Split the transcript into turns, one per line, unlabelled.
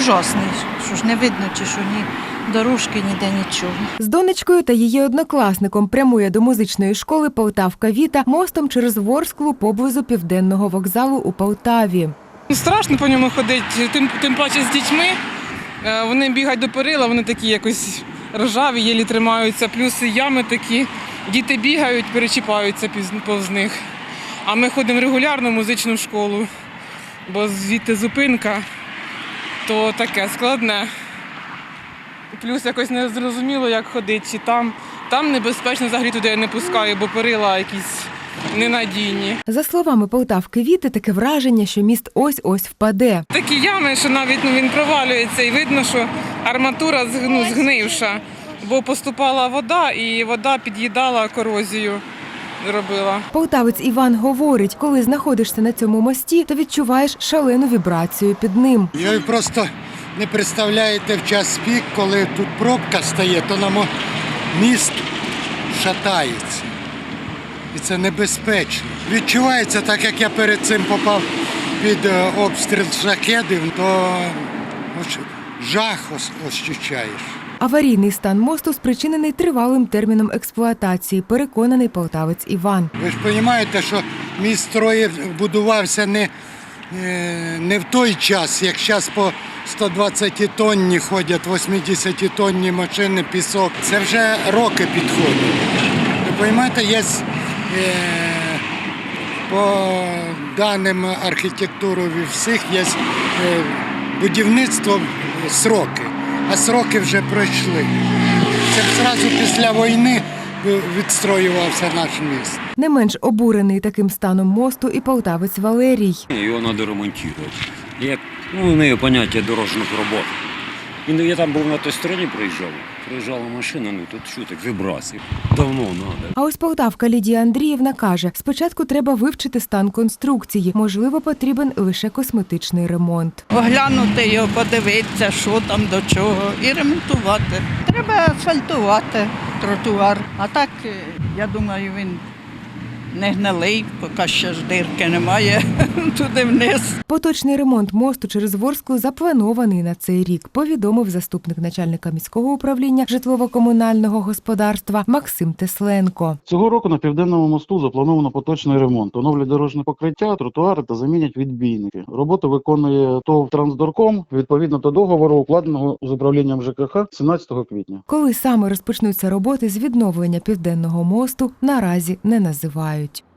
ужасний, що ж не видно, чи що ні дорожки, ніде нічого.
З донечкою та її однокласником прямує до музичної школи Полтавка Віта мостом через Ворсклу поблизу Південного вокзалу у Полтаві.
Страшно по ньому ходити, тим паче з дітьми. Вони бігають до перила, вони такі якось ржаві, єлі тримаються, плюс ями такі. Діти бігають, перечіпаються повз них. А ми ходимо регулярно в музичну школу, бо звідти зупинка, то таке складне. Плюс якось не зрозуміло, як ходити, чи там небезпечно, взагалі туди я не пускаю, бо перила якісь ненадійні.
За словами Полтавки Віти, таке враження, що міст ось-ось впаде.
Такі ями, що навіть він провалюється і видно, що арматура згнивша, бо поступала вода і вода під'їдала, корозію робила.
Полтавець Іван говорить, коли знаходишся на цьому мості, то відчуваєш шалену вібрацію під ним.
Ви просто не представляєте в час пік, коли тут пробка стає, то на міст шатається. І це небезпечно. Відчувається, так як я перед цим попав під обстріл шахедів, то жах ощущаєш.
Аварійний стан мосту спричинений тривалим терміном експлуатації, переконаний полтавець Іван.
Ви ж розумієте, що міст будувався не в той час, як зараз по 120 тонні ходять, 80 тонні машини, пісок. Це вже роки підходять. Ви розумієте, є по даним архітектури всіх, є будівництво сроки, а сроки вже пройшли. Це одразу після війни відстроювався наш міст.
Не менш обурений таким станом мосту і полтавець Валерій.
Його треба ремонтувати. Як, не поняття дорожніх робот. Я там був на той стороні проїжджала машина, тут що так, вібрації. Давно треба.
А ось полтавка Лідія Андріївна каже, спочатку треба вивчити стан конструкції, можливо, потрібен лише косметичний ремонт.
Оглянути його, подивитися, що там до чого, і ремонтувати. Треба асфальтувати тротуар. А так, я думаю, він не гнилий, поки ще ж дирки немає туди вниз.
Поточний ремонт мосту через Ворсклу запланований на цей рік, повідомив заступник начальника міського управління житлово-комунального господарства Максим Тесленко.
Цього року на Південному мосту заплановано поточний ремонт. Оновлять дорожнє покриття, тротуари та замінять відбійники. Роботу виконує ТОВ «Трансдорком» відповідно до договору, укладеного з управлінням ЖКХ 17 квітня.
Коли саме розпочнуться роботи з відновлення Південного мосту, наразі не називають.